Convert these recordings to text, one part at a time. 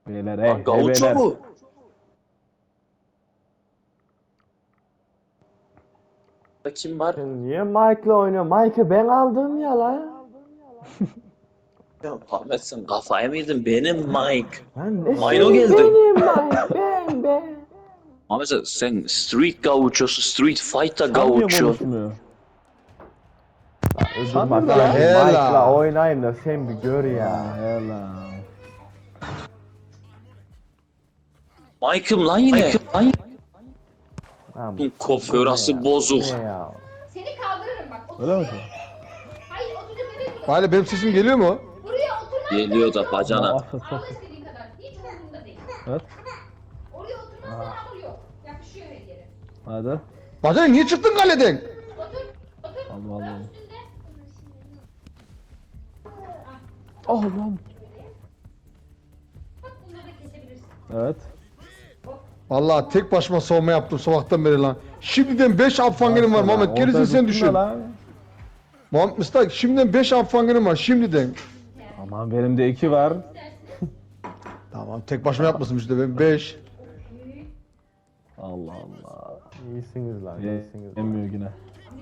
Beyler Gaucho beyler. mu? Da kim var? Sen niye Mike'la oynuyorsun? Mike'ı ben aldım ya la. Ya Ahmet sen kafayı mı yedin? Benim Mike. Lan ne Mino senin geldi. benim Mike ben. Ahmet sen Street Gaucho'su, Street Fighter Tam niye Gaucho. konuşmuyor? Öbür Sen maçta nerede lan? Mike'la oynayayım da sen bir gör ya. Hela. Mike'ım lan yine. Lan Lan, koförası bozuk. ne ya? Seni kaldırırım bak. Otur. Öyle mi? Hayır oturacak yere otur. Bari benim sesim geliyor mu? Buraya oturmaz. Geliyor da bacana. Ağla istediğin kadar. Hiç umurumda değil. Evet. Oraya oturmazsan hamur yok. Yapışıyor her yere. Hadi. Bacanım niye çıktın kaleden? Otur. Otur. Allah Allah. Üstünde. Oh lan. Bak bunları da kesebilirsin. Evet. Vallahi tek başıma savunma yaptım sabahtan beri lan. Şimdiden 5 apfangenim var Muhammed. Gerisini sen düşün. Muhammed Mıstak şimdiden 5 apfangenim var şimdiden. Aman benim de 2 var. Tamam tek başıma yapmasın işte ben 5. Allah Allah. İyisiniz lan iyisiniz. Yemiyor yine.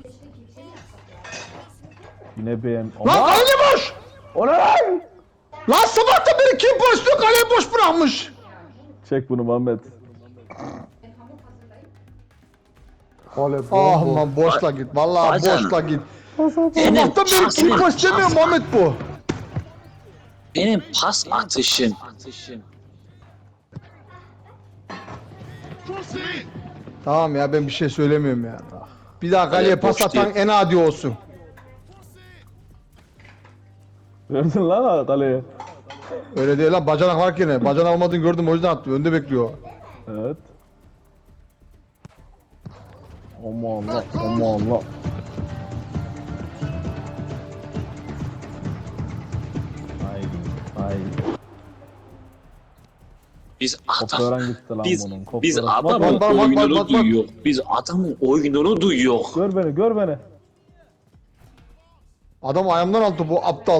Yine beğen. Lan kale boş! O ne lan? Lan sabahtan beri kim pozisyonu kaleyi boş bırakmış? Çek bunu Muhammed. Kole Ah bomboş. man boşla git. Vallahi Bacan. boşla git. Benim Sabahtan beri kim pasım. boş demiyor Muhammed bu. Benim pas atışım. Tamam ya ben bir şey söylemiyorum ya. Bir daha kaleye Kale pas boş atan değil. en adi olsun. Gördün lan kaleye. Öyle değil lan bacanak var yine. Bacanak olmadığını gördüm o yüzden attı. Önde bekliyor. Evet. Aman Allah. Aman Allah. Ay. Biz Kopyaran adam, gitti lan biz, bunun. biz Kopyaran. adamın bak, oyununu bak. duyuyor. Biz adamın oyununu duyuyor. Gör beni. Adam ayağımdan aldı bu aptal.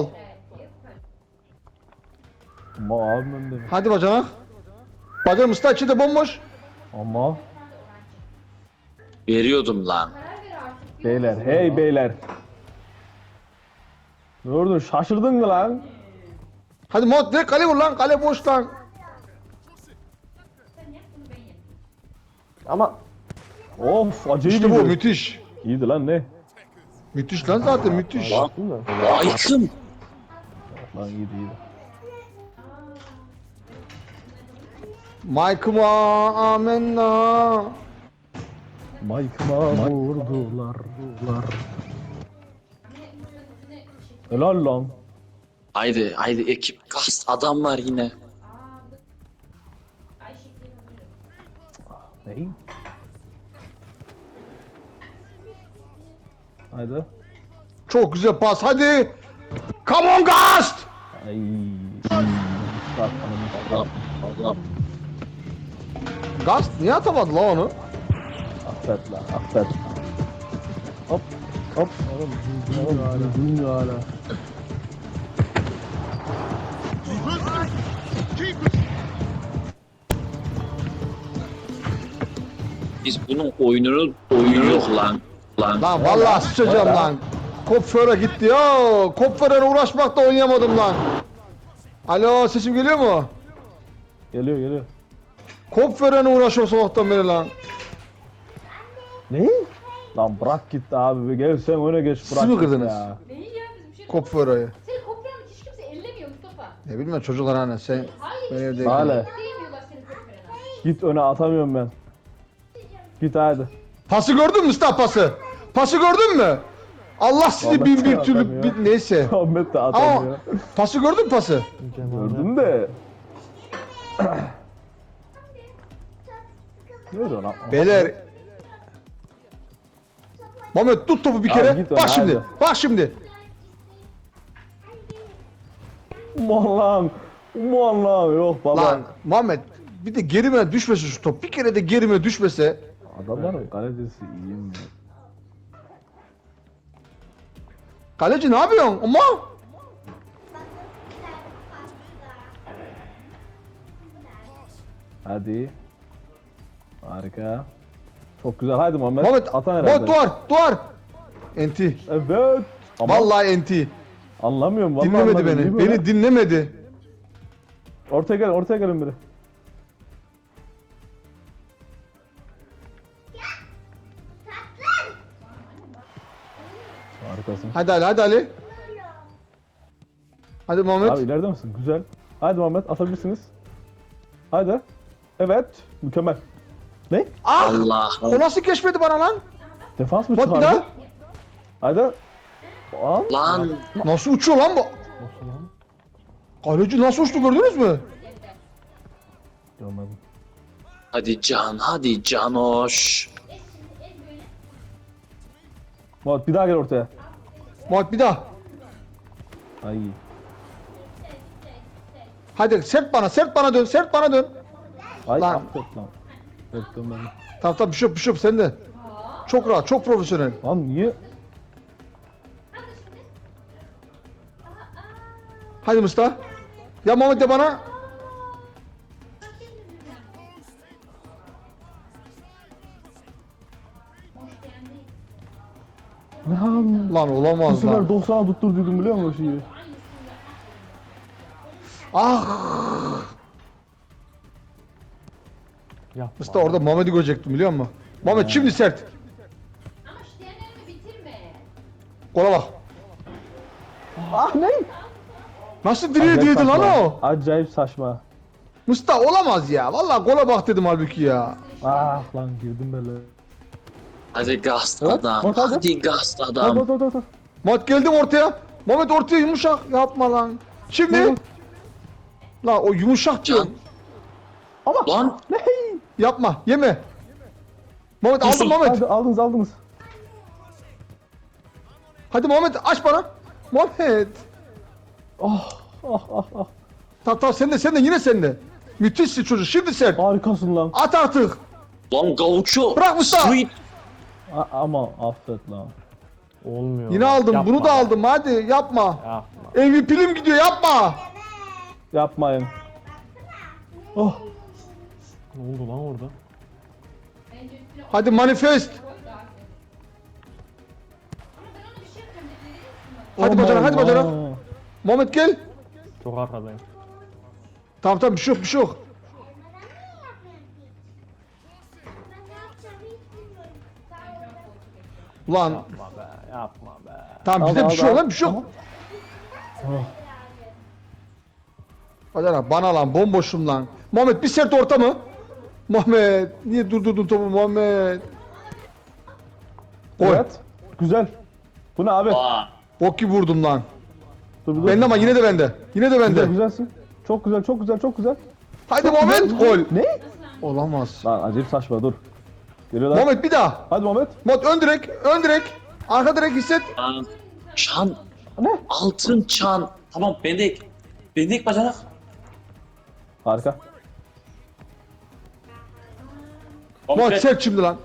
Ama abim önde mi? Hadi bacanak. Bacanak Mustafa içi de bomboş. Ama. Veriyordum lan. Beyler, hey beyler. Ne oldu? Şaşırdın mı lan? Hadi Muhammed direkt kale vur lan. Kale boş lan. Ama Of, acayip İşte bu iyiydi. müthiş. İyiydi lan ne? Müthiş lan zaten müthiş. Lan, değil mi? Mike'ım. Lan iyiydi. Mike'ıma amenna. Mike'ıma vurdular. Helal lan. Haydi ekip kast adam var yine. Ney? Haydi. Çok güzel pas hadi. Come on Gast. Ay. Allah. Gast niye atamadı la onu? Affet lan, affet. Hop. Oğlum, bilmiyor hala. Biz bunun oyunu yok lan. Lan vallahi sıçacağım lan. Kopföre gitti ya. Kopföre uğraşmakla oynayamadım lan. Alo sesim geliyor mu? Geliyor. Kopföre uğraşıyor sabahtan beri lan. Ne? Lan bırak git abi. Gel sen öne geç Siz bırak mi git kırdınız? ya. Neyi ya bizim şey. Kopföre'yi. Senin kopyanı hiç kimse ellemiyor Mustafa. Ne bileyim çocuklar hani sen Hayır. ben evdeyim. Hala. Değmiyorlar senin kopyana. Git öne atamıyorum ben. Git hadi. Pası gördün mü Mustafa pası? Pası gördün mü? Allah sizi Vallahi bin bir atamıyor. türlü neyse. Ahmet de Ama atamıyor. pası gördün mü pası? Gördüm de. Ne oluyor lan? Beyler. Mehmet tut topu bir Abi kere. git Bak öyle, şimdi. hadi. Bak şimdi. Aman lan. Yok baba. Lan Muhammed bir de gerime düşmese şu top. Bir kere de gerime düşmese. Adamların kalecisi iyi mi? Kaleci ne yapıyorsun? Ama Hadi. Harika. Çok güzel. Haydi Muhammed. Muhammed, Atan herhalde. Muhammed duvar. Enti. Evet. Ama Vallahi enti. anlamıyorum. Vallahi Dinlemedi anlamıyorum. beni. Değil mi Beni dinlemedi. Ortaya gel, ortaya gelin biri. Harikasın. Hadi Ali, hadi Ali. Hadi Muhammed. Abi ileride misin? Güzel. Haydi Muhammed atabilirsiniz. Haydi. Evet. Mükemmel. Ne? Ah! Allah'ım. O nasıl geçmedi bana lan? Defans mı Bak bir çıkardı? daha. Haydi. Al. Lan. Nasıl uçuyor lan bu? Nasıl lan? Kaleci nasıl uçtu gördünüz mü? Görmedim. Hadi Can, hadi Canoş. Muhammed bir daha gel ortaya. Muhammed bir daha. Ay. Hadi sert bana dön, sert bana dön. Ay Lan. affet lan. Öptüm ben. Tamam tamam bir şey yok sen de. Çok rahat, çok profesyonel. Lan niye? Hadi Mustafa. Ya Muhammed de bana. Lan. Lan Bu olamaz sefer lan. 90'a tutturduydum biliyor musun o şeyi? Ah! Yapma. Mustafa orada Muhammed'i görecektim biliyor musun? Muhammed şimdi sert. Ama şu diğerlerini bitirme. Kola bak. Ah ne? Nasıl direğe değdi lan o? Acayip saçma. Mustafa olamaz ya. Vallahi kola bak dedim halbuki ya. Ah lan girdim böyle. Hadi gast Evet, adam. bak hadi. Hadi gast Dur adam. dur dur dur. Muhammed geldim ortaya. Muhammed ortaya yumuşak. Yapma lan. Şimdi. La o yumuşak diyorum. Lan. Ne? Yapma. Yeme. Muhammed aldım Yusuf, Muhammed. Hadi aldınız aldınız. Hadi Muhammed aç bana. Muhammed. Ah ah ah ah. Tamam sen de yine sen de. Müthişsin çocuk. Şimdi sert. Harikasın lan. At artık. Lan Gaucho. Bırak Mustafa. Sweet. Ama affet lan. Olmuyor. Yine aldım. Yapma Bunu da be. aldım. Hadi yapma. Yapma. MVP'lim gidiyor. Yapma. Yapmayın. Oh. Ne oldu lan orada? Bence üstüne Hadi manifest. koy da artık. Ama ben ona bir şey yapacağım. Ne verir misin bana? Hadi aman bacana hadi bacana. Allah. Muhammed gel. Çok arkadayım. Tamam bir şey yok bir şey yok. Ulan Yapma be. Yapma be. tamam bizde Al, bir şey al, yok al. lan bir şey yok. Oh. Bacana bana lan bomboşum lan. Muhammed bir sert orta mı? Muhammed niye durdurdun topu Muhammed? Gol. Evet. Güzel. Bu ne abi? Aa. Bok gibi vurdum lan. Dur, dur. Bende ama yine de bende. Yine de Güzel bende. güzelsin. Çok güzel çok güzel çok güzel. Hadi Muhammed gol. Ne? Olamaz. Lan acayip saçma dur. Geliyorlar. Muhammed bir daha. Hadi Muhammed. Muhammed ön direk. Arka direk hisset. Lan. Çan. Ne? Altın çan. Tamam bendik. Bendik bacanak. Harika. Muhammed sert şimdi lan.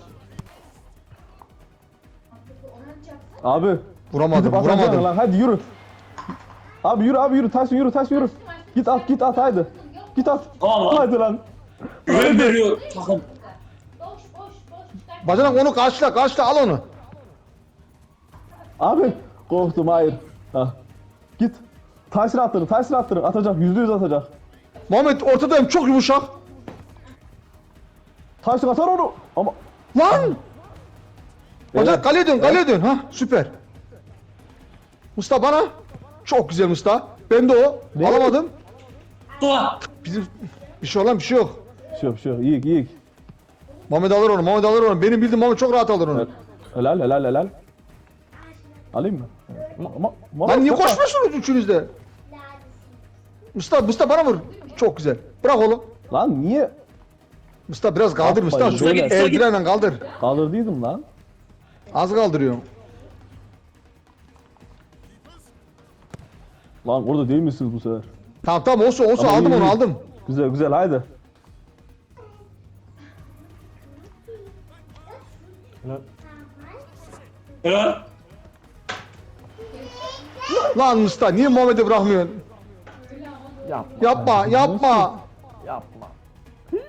Abi. Vuramadım gidip atacaksın vuramadım. Lan. Hadi yürü. Abi yürü abi yürü. Tyson yürü Tyson yürü. Git at haydi. Git at. Tamam lan. Haydi lan. Güven veriyor takım. Boş boş boş. Bacanak onu karşıla al onu. Abi. Korktum hayır. Ha. Git. Tyson attırın. Atacak. %100 atacak. Muhammed ortadayım çok yumuşak. Tyson atar onu. Ama. Lan! Bacanak Evet. kaleye dön. Ha süper. Mustafa bana. Çok güzel Mustafa. Ben de o. Ne? Alamadım. Dua. Bizim bir şey yok. Bir şey yok. İyi. Muhammed alır onu. Benim bildiğim Muhammed çok rahat alır onu. Evet. Helal. Alayım mı? Ama Lan niye çok var. koşmuyorsunuz üçünüz de? Mustafa bana vur. Çok güzel. Bırak oğlum. Lan niye? Mustafa biraz kaldır Yapma, Mustafa. Şu şöyle. eldivenle kaldır. Kaldırdıydım lan. Az kaldırıyorum. Lan orada değil misiniz bu sefer? Tamam olsun Ama aldım iyi, onu iyi. aldım. Güzel haydi. Helal. Evet. Lan Mustafa niye Muhammed'i bırakmıyorsun? Yapma. Yapma. Yapma.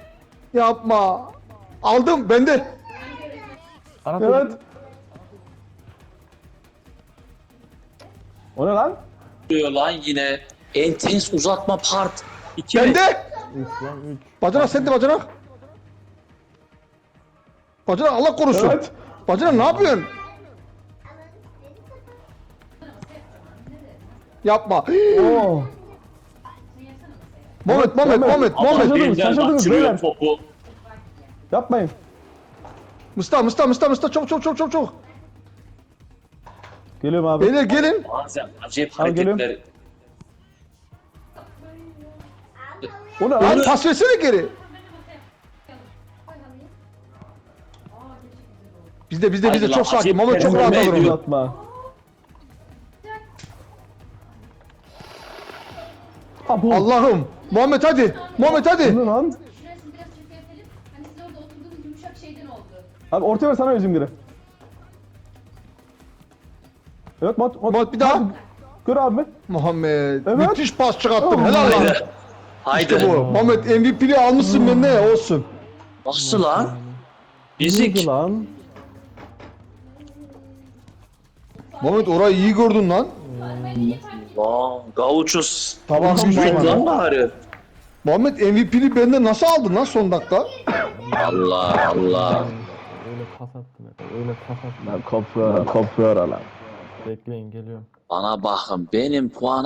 Yapma. Aldım bende. Arap Evet. O ne lan? Diyor lan yine. Intense uzatma part. 2 Bende. 3 lan 3. Bacanak sende bacanak. Bacanak Allah korusun. Evet. Bacanak ne yapıyorsun? Yapma. Oo. Muhammed. Şaşırdınız, Elinden şaşırdınız kaçırıyor beyler. topu. Yapmayın. Mustafa çok. Geliyorum abi. Beyler gelin. Bazen acayip Al, geliyorum. hareketler. O ne Lan lan? pas versene geri. Bizde Haydi lan, çok sakin. acayip Muhammed çok rahat performe alır onu. ediyor. Uzatma. Abu. Allah'ım. Muhammed hadi. Muhammed Bu hadi. ne lan? Şurasını biraz çökertelim. Hani siz orada oturduğunuz yumuşak şeyden oldu. Abi ortaya ver sana özüm geri. Evet Mat. Muhammed bir daha. Gör abi. Muhammed. Evet. Müthiş pas çıkarttın. Oh. Helal lan. Haydi. Haydi. İşte bu. Muhammed MVP'li almışsın bende ya olsun. Nasıl lan? Neydi Bizik. lan? Muhammed orayı iyi gördün lan. Lan gavuçuz. Tamam, Büyük tamam. lan bari. Muhammed MVP'li bende nasıl aldın lan son dakika? Allah Allah. Öyle pas attım. Öyle pas attım. Lan kopya lan. Bekleyin geliyorum. Bana bakın benim puan